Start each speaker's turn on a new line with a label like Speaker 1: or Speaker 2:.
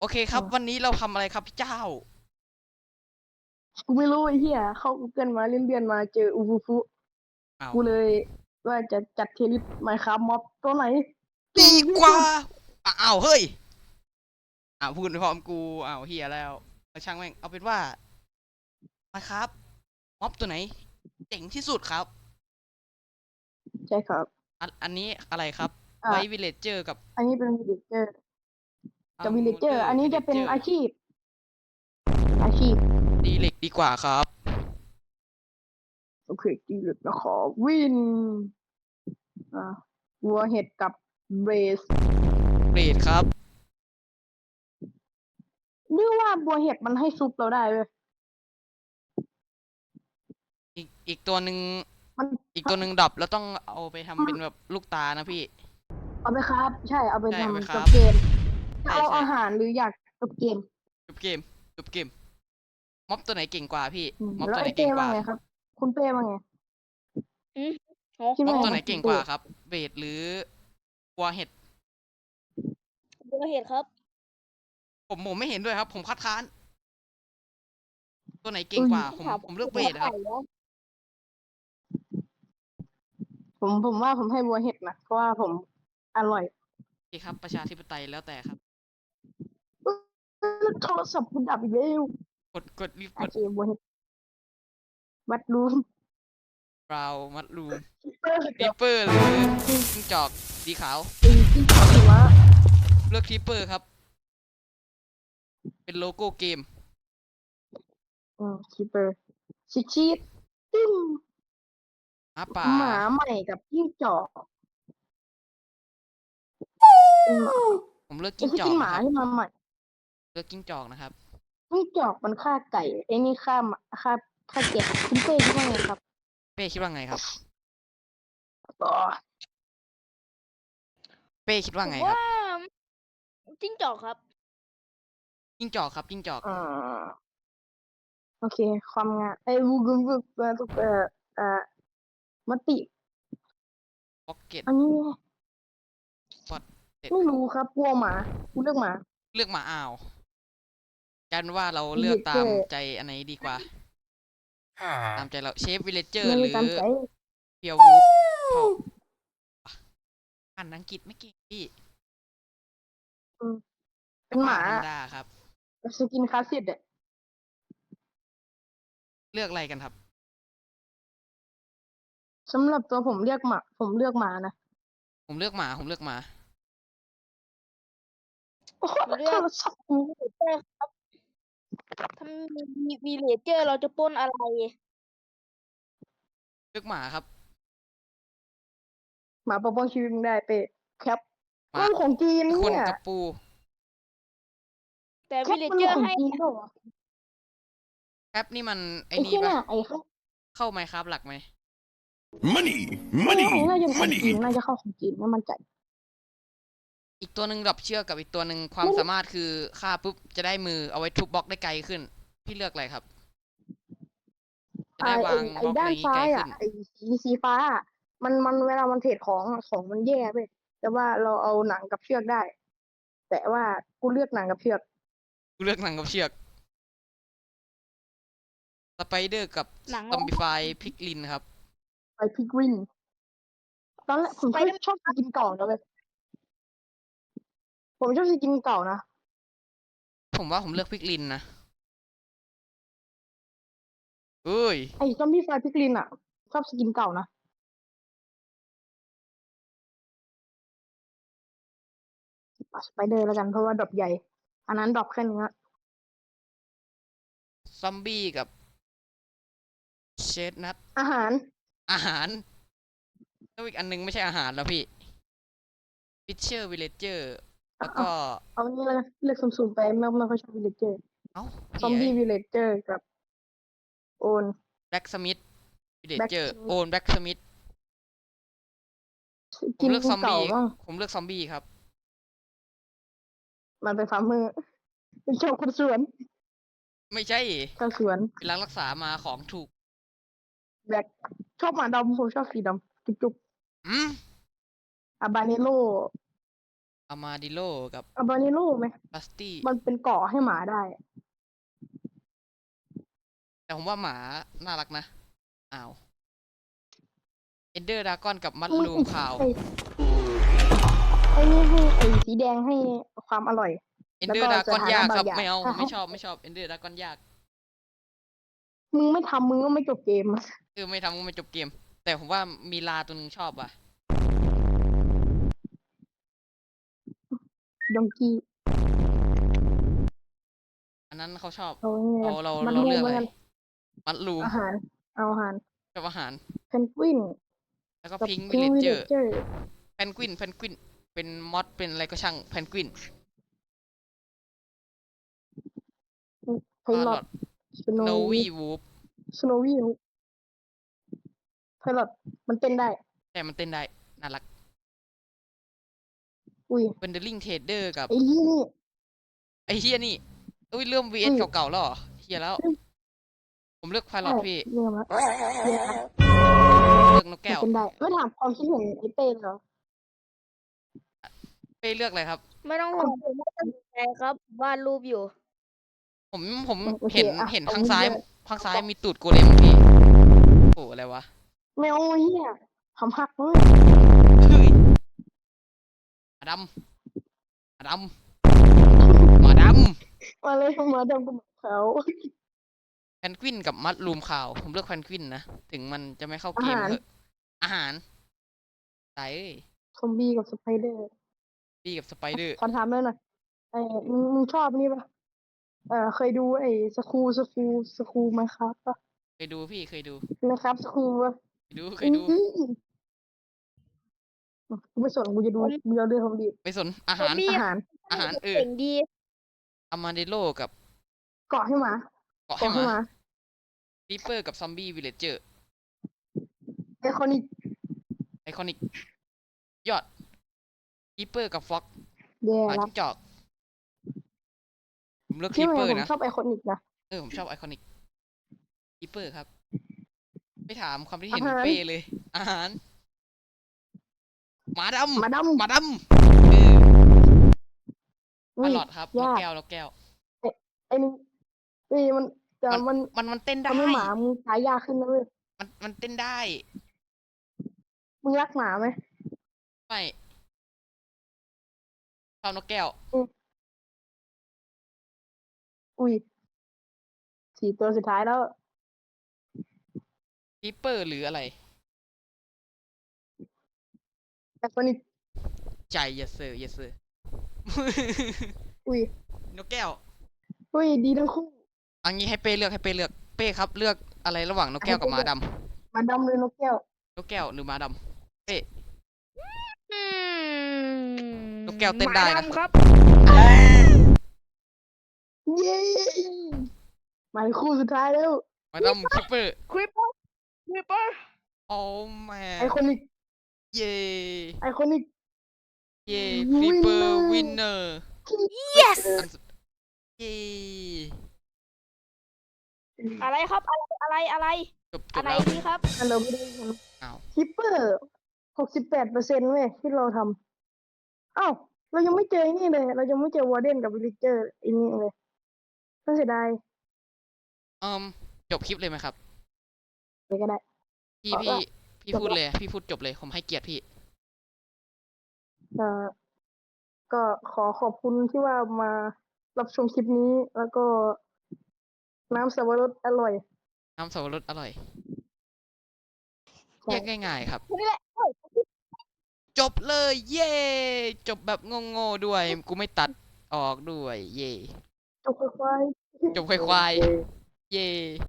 Speaker 1: โอเคครับวันนี้เราทำอะไรครับพี่เจ้า
Speaker 2: กูไม่รู้ไอ้เหี้ยเข้า Google มาเลื่อนๆมาเจออูฟูฟู
Speaker 1: อ้าว
Speaker 2: กูเลยว่าจะจัดเทลิสไมค์ครับม็อบตัวไหนสู
Speaker 1: ดี
Speaker 2: งที่
Speaker 1: กว่า
Speaker 2: สุด
Speaker 1: อ้าวเฮ้ยพูดพร้อมกูเฮียแล้วช่างแม่งเอาเป็นว่ามาครับม็อบตัวไหนเจ๋งที่สุดครับ
Speaker 2: ใช่ครับ
Speaker 1: อันนี้อะไรครับไว
Speaker 2: อ่า
Speaker 1: วิลเลจเจอร์กับ
Speaker 2: อันนี้เป็นวิลเลจเจอร์
Speaker 1: อั
Speaker 2: กับวิลเลจเจอร์
Speaker 1: มูเลอร์
Speaker 2: อันนี้จะเป็น
Speaker 1: วิลเลจเจอร์
Speaker 2: อาชีพ
Speaker 1: ดีเล็กดีกว่าครับ
Speaker 2: โอเคดีเลยนะขอวินอ่าวัวเห็ดกับเบรส
Speaker 1: เบรดครับ
Speaker 2: หรือว่าบัวเห็ดมันให้ซุปเราได้เว้ย
Speaker 1: อีกตัวหนึ่ง
Speaker 2: มัน
Speaker 1: อีกตัวหนึ่งดับแล้วต้องเอาไปทำเป็นแบบลูกตานะพี่
Speaker 2: เอาไปครับใช่เอาไป
Speaker 1: ใช่เอาไปค
Speaker 2: ทำจ
Speaker 1: รับ
Speaker 2: บเกมจะ
Speaker 1: ใช่ใช่
Speaker 2: เอาอาหารหรืออยากจบเกม
Speaker 1: จบเกมจบเกมม็อบตัวไหนเก่งกว่าพี่ม็อบ
Speaker 2: แล้ว
Speaker 1: ตัวไหน
Speaker 2: ไอ้เป้ว่า
Speaker 1: เก่งกว่า
Speaker 2: ไงครับคุณเป้ว่าไง
Speaker 3: อืมโอ้
Speaker 2: คิดว่าไง
Speaker 1: ม็อบตัวไหน
Speaker 2: ครับคุณเป้
Speaker 1: เก่งกว่าครับเบสหรือวัวเห็ด
Speaker 3: บัวเห็ดครับ
Speaker 1: ผมไม่เห็นด้วยครับผมคัดค้านตัวไหนเก่
Speaker 2: อุ้ย
Speaker 1: งกว่าผ
Speaker 3: ต้องถาม
Speaker 1: มผมเลือกเบสครับ
Speaker 3: ไข่แล้ว
Speaker 2: ผมว่าผมให้บัวเห็ดนะเพราะว่าผมอร่อย
Speaker 1: โอเคครับประชาธิปไตยแล้วแต่ครับ
Speaker 2: เอ้ยโทรศัพท์คุณดับอีกแล้ว
Speaker 1: กดรีบ
Speaker 2: โอ
Speaker 1: กด
Speaker 2: เคบัวเห็ดวัดรูม
Speaker 1: บราวมัดรูม
Speaker 2: เปอร์
Speaker 1: ที
Speaker 2: กับ
Speaker 1: เปอร์หรือจิ้งจอกสีขาว
Speaker 2: ที่จอดหิมะ
Speaker 1: เลือกทีเปอร์ครับเป็นโลโก้เกม
Speaker 2: คีเปอร์ชิดชีดติ้ม
Speaker 1: หมาป่า
Speaker 2: หมาใหม่กับจิ้งจอกเป็นหมา
Speaker 1: ผมเลือก
Speaker 2: เป็น
Speaker 1: จิ้ง
Speaker 2: สกินหมา
Speaker 1: จอกนะครับ
Speaker 2: ที่มาใหม่
Speaker 1: เลือกจิ้งจอกนะครับ
Speaker 2: จิ้งจอกมันฆ่าไก่ไอ้นี่ฆ่าหมาฆ่าแกะคุณเป้คิดว่าไงครับ
Speaker 1: เป้คิดว่าไงครับ
Speaker 2: อ๋อ
Speaker 1: เป้คิดว่า
Speaker 3: ผมว่า
Speaker 1: ไงครับ
Speaker 3: จิ้งจอกครับ
Speaker 1: จิ้งจอกครับจิ้งจอก
Speaker 2: อ่าโอเคความงามไอ้วูกุบุกมติ
Speaker 1: พ็อกเก็ต
Speaker 2: อันนี้
Speaker 1: พอดเด็ด
Speaker 2: ไม่รู้ครับกลัวหมากูเลือกหมา
Speaker 1: เลือกหมากันว่าเรา
Speaker 2: วิลเล
Speaker 1: เลือกตาม
Speaker 2: จเจอร์
Speaker 1: ใจอันไหนดีกว่าตามใจเราเชฟวิลเลจเจอ
Speaker 2: ไม่
Speaker 1: ร์หรือ
Speaker 2: ได้ตามใจ
Speaker 1: เพียววูฟชอบอ่านอังกฤษไม่เก่งพี่
Speaker 2: อืมเป็นหมา
Speaker 1: ธรรมดาครับ
Speaker 2: สกินคลาสสิกอะ
Speaker 1: เลือกอะไรกันครับ
Speaker 2: สำหรับตัวผมเลือกหมาผมเลือกหมานะ
Speaker 1: ผมเลือกหมา
Speaker 2: โอ้โห
Speaker 3: มาเลือก
Speaker 2: โทรศัพท์กู
Speaker 3: เตอร์ครับถ้ามีวีเลเจอร์เราจะปล้นอะไร
Speaker 1: เลือกหมาครับ
Speaker 2: หมาปกป้องชีวิตมึงได้เป๊ะแคป
Speaker 1: หมา
Speaker 2: มันของจีน
Speaker 1: คน
Speaker 2: เนี่ย
Speaker 1: กับปู
Speaker 3: แต่
Speaker 2: แค
Speaker 3: วีเล
Speaker 2: ปมันของ
Speaker 3: เจอร์ให้
Speaker 2: จีนเปล่าวะ
Speaker 1: แป๊บนี่มันไอ้
Speaker 2: ไอ้
Speaker 1: นี่ปะ
Speaker 2: ที่น่ะไอ้เขา
Speaker 1: เข้าไหมครับหลักไหม
Speaker 4: Money,
Speaker 2: ไม่
Speaker 4: money,
Speaker 2: น่าจะของจีน
Speaker 4: money.
Speaker 2: น่าจะเข้าของจีนไม่มั่นใจ
Speaker 1: อีกตัวหนึ่งดับเชือกกับอีกตัวหนึ่งความ
Speaker 2: ไม่
Speaker 1: สามารถคือฆ่าปุ๊บจะได้มือเอาไว้ทุบบล็อกได้ไกลขึ้นพี่เลือกอะไรครับจะได้วางบล็อกอะไร
Speaker 2: ด้าน
Speaker 1: นี้ไกลขึ้น
Speaker 2: ซ้ายอ่ะไอ้สีฟ้าอะมันเวลามันเทรดของอะของมันแย่ไปแต่ว่าเราเอาหนังกับเชือกได้ แต่ว่ากูเลือกหนังกับเชือก
Speaker 1: กูเลือกหนังกับเชือกสไปเดอร์กับ
Speaker 3: หนัง
Speaker 1: ซอมบิฟายพิกลินครับ
Speaker 2: ไปพิกวินตอนแรกผม
Speaker 3: ไปได้
Speaker 2: ชอบสกินเก่านะเว้ยผมชอบสกินเก่านะ
Speaker 1: ผมว่าผมเลือกพิกลินนะเอ้ย
Speaker 2: ไอ้ซอมบี้ไฟพิกลินอ่ะชอบสกินเก่านะสไปเดอร์แล้วกันเพราะว่าดรอปใหญ่อันนั้นดรอปแค่เนื้อ
Speaker 1: ซอมบี้กับเชดนัท
Speaker 2: อาหาร
Speaker 1: อาหารแล้วอีกอันนึงไม่ใช่อาหารแล้วพี่ฟิชเชอร์วิลเลจเจอร์
Speaker 2: เอา
Speaker 1: แล้วก็
Speaker 2: เอานี่เลยเลือกสุ่มๆไปไม่ค่อยชอบวิลเลจเจอร์
Speaker 1: เอ้า
Speaker 2: ซอ
Speaker 1: พี่ไอ้
Speaker 2: มบี้วิลเลจเจอร์กับโอน
Speaker 1: แบ็กสมิธวิลเลจ
Speaker 2: แบ็ก
Speaker 1: เจอร์โอนแบ็กสมิธ
Speaker 2: สกิน
Speaker 1: ผมเลือกซอมบี้
Speaker 2: เก่าบ้าง
Speaker 1: ผมเลือกซอมบี้ครับ
Speaker 2: มันเป็นฟาร์มเมอร์เป็นชาวคนสวน
Speaker 1: ไม่ใช่
Speaker 2: ชาวสวน
Speaker 1: เป็นรักษามาของถูก
Speaker 2: แบ็คชอบหมาดำผมชอบสีดำจุก
Speaker 1: อืม
Speaker 2: ๆอาบาเนโล
Speaker 1: อามาดิโลกับ
Speaker 2: อาบานิโลไหม
Speaker 1: บัสตี้
Speaker 2: มันเป็นเกาะให้หมาได้
Speaker 1: แต่ผมว่าหมาน่ารักนะอ้าวเอนเดอร์ดากอนกับมัดลูมขาว
Speaker 2: ไอ้นี่ให้ไอ้สีแดงให้ความอร่อย
Speaker 1: เอนเดอร์ดากอนยากครับ
Speaker 2: แล้วก็สถานะบางอย่าง
Speaker 1: ไม่เอา
Speaker 2: ถ้า
Speaker 1: ไม่ชอบเอนเดอร์ดากอนยาก
Speaker 2: มึงไม่ทำมึงก็ไม่จบเกม
Speaker 1: ไม่ทำก็ไม่จบเกม แต่ผมว่ามีลาตัวหนึงชอบว่ะ
Speaker 2: ดองกี้
Speaker 1: อันนั้นเขาชอบ
Speaker 2: เอาไง
Speaker 1: เรา
Speaker 2: มัน
Speaker 1: เรา
Speaker 2: รว
Speaker 1: เลือก
Speaker 2: ม
Speaker 1: อะไร
Speaker 2: กัน
Speaker 1: มัดลูม
Speaker 2: อาหาร เอาอาหาร
Speaker 1: ชอบอาหาร
Speaker 2: เพนกวิน
Speaker 1: แล้วก็
Speaker 2: กับ
Speaker 1: พิงค์
Speaker 2: พิ
Speaker 1: วิ
Speaker 2: ง
Speaker 1: ล
Speaker 2: วิ
Speaker 1: เล
Speaker 2: ล
Speaker 1: เจ
Speaker 2: เล
Speaker 1: อร์
Speaker 2: เจอร์
Speaker 1: แพนกวินเป็นมอดเป็นอะไรก็ช่างแพนกวิน
Speaker 2: ไพลอตสโน
Speaker 1: โน
Speaker 2: วี
Speaker 1: วี่วูฟ
Speaker 2: สโนวีไพลอตมันเต้นได้
Speaker 1: แต่มันเต้นได้ น่ารัก
Speaker 2: อุ้ย
Speaker 1: เป็นเดลิงเทรดเดอร์กับ
Speaker 2: ไอ้นี่นี่
Speaker 1: ไอ้เฮียนี่อุ้ยเริ่ม VS เก่าๆแล้วเหรอเฮียแล้ว ผมเลือกไพลอตพี่
Speaker 2: เรื่องละเรื่องละ
Speaker 1: เลือกนก
Speaker 2: มัน
Speaker 1: แก้ว
Speaker 2: เป็นได้ ไม่ถามความคิดเห็นไอ้เต้นเหรอ
Speaker 1: เป้เลือกอะไรครับ
Speaker 3: ไม่ต้องห่วงผมไม่ตัดสินใจครับวาดรูปอยู่
Speaker 1: ผม
Speaker 2: โอเค
Speaker 1: เห็น
Speaker 2: อ่ะ
Speaker 1: เห็น
Speaker 2: เอา
Speaker 1: ข้างซ้าย
Speaker 2: เลือก
Speaker 1: ข้างซ้ายมีตูดโกเลมพี่โอ้อะไรวะ
Speaker 2: แมวเหี้ยทำหักเลย
Speaker 1: เฮ้ยหมาดำหมาดำหมาด
Speaker 2: มาเลยมาดำกับเขา
Speaker 1: ำแพนกวินกับมัดรูมขาว ผมเลือกแพนกวินนะ ถึงมันจะไม่เข้าเกม
Speaker 2: อาหาร
Speaker 1: เถอะอาหารตายเอ้ย
Speaker 2: ซอมบี้กับสไปเดอร์
Speaker 1: ดีกับสไปเดอร์
Speaker 2: ขอถามเลยหน่อยไอ้มึงชอบนี่ปะเคยดูไอ้สคูไหมครับปะ
Speaker 1: เคยดูพี่เคยดู
Speaker 2: นะครับสคูปะ
Speaker 1: เคยดู
Speaker 2: กูไม่สนกูจะดูกูจะเรื่องของดี
Speaker 1: ไปสนอาหาร
Speaker 3: ซอมบี้
Speaker 2: อาหาร
Speaker 1: อาหาร
Speaker 3: เก่งดี
Speaker 1: อามาเดโลกับ
Speaker 2: เกาะให้หมา
Speaker 1: เกาะให้
Speaker 2: เกาะ
Speaker 1: ห
Speaker 2: ให้
Speaker 1: มา
Speaker 2: หมา
Speaker 1: รีเปอร์กับซอมบี้วิลเลจเจอร์
Speaker 2: ไอคอนิก
Speaker 1: ไอคอนิกยอดรีเปอร์กับฟ็อก
Speaker 2: แย่
Speaker 1: หมา
Speaker 2: ละ
Speaker 1: จิ้งจอก ผมเลือก
Speaker 2: ที่
Speaker 1: รี
Speaker 2: ไห
Speaker 1: เป
Speaker 2: น
Speaker 1: อร์
Speaker 2: ผม
Speaker 1: นะ
Speaker 2: ชอบไอคอนิกนะ
Speaker 1: ผมชอบไอคอนิกรีเปอร์ครับ ไม่ถามความที่เห็น
Speaker 2: อาหาร
Speaker 1: เป้เลย อาหารหมาดำ
Speaker 2: หมาด
Speaker 1: หมาดำ
Speaker 2: ำ
Speaker 1: ปลาหลอดครับนก
Speaker 2: ยาก
Speaker 1: แก้วนกแก้ว
Speaker 2: ไอ้นี่มันแต่มัน
Speaker 1: มันเต้นได้
Speaker 2: ทำให้หมามึงตายยากขึ้นนะเว้ย
Speaker 1: มันเต้นได้
Speaker 2: มึงรักหมาไหม
Speaker 1: ไม่ชอบนกแก้ว
Speaker 2: อุ้ย4 ตัวสุดท้ายแล้ว
Speaker 1: รีเปอร์หรืออะไร
Speaker 2: ไอคอนิก
Speaker 1: ใจ yes sir yes sir
Speaker 2: อุ้ย
Speaker 1: นกแก้ว
Speaker 2: อุ้ยดีทั้งคู่
Speaker 1: อันนี้ให้เป้เลือกเป้ครับเลือกอะไรระหว่างนกแก้วกับหมาดำ
Speaker 2: หมาดำเลยนกแก้ว
Speaker 1: นกแก้วหรือหมาดำเป้
Speaker 3: อืม
Speaker 1: นกแก้วเต้นได้นะ
Speaker 3: หมาดำครับ
Speaker 2: เย้หมายคู่สุดท้ายแล้ว
Speaker 1: หมาดำคิปเปอร์
Speaker 3: คริปเปอร์คริปเปอร์
Speaker 1: โอ้แม่
Speaker 2: ไอคอนิก
Speaker 1: เย่
Speaker 2: ไอคอนิก
Speaker 1: เย่คลิปเปอร์วินเนอร์
Speaker 3: yes
Speaker 1: เย่
Speaker 3: อะไรครับอะไร
Speaker 1: จบ
Speaker 3: อะไร
Speaker 1: แล้ว
Speaker 3: นี่ครับ
Speaker 2: อันเราไม่ได้ท
Speaker 1: อ้าว
Speaker 2: ำคิปเปอร์68%เว้ยที่เราทำอ้าวเรายังไม่เจอไอ้นี่เลย เรายังไม่เจอวอร์เดนกับวิลเลเจอร์อันนี้เลยน่าเสียดาย
Speaker 1: จบคลิปเลยไหมครับ
Speaker 2: ไปก็ได้
Speaker 1: พี่
Speaker 2: เอา
Speaker 1: พี่
Speaker 2: ละ
Speaker 1: พี่
Speaker 2: จบ
Speaker 1: พูด
Speaker 2: ละ
Speaker 1: เลย พี่พูดจบเลย ผมให้เกียรติพี่
Speaker 2: เอ่อก็ขอบคุณที่ว่ามารับชมคลิปนี้ แล้วก็น้ำสับปะรดอร่อย
Speaker 1: น้ำสับปะรดอร่อย
Speaker 2: ใช่
Speaker 1: แยกง่ายๆครับ
Speaker 3: นี่แหละเอ้ย
Speaker 1: จบเลย เย่จบแบบโง่ๆด้วย กูไม่ตัดออกด้วย เย่
Speaker 2: จบควาย
Speaker 1: จบควายๆ เย่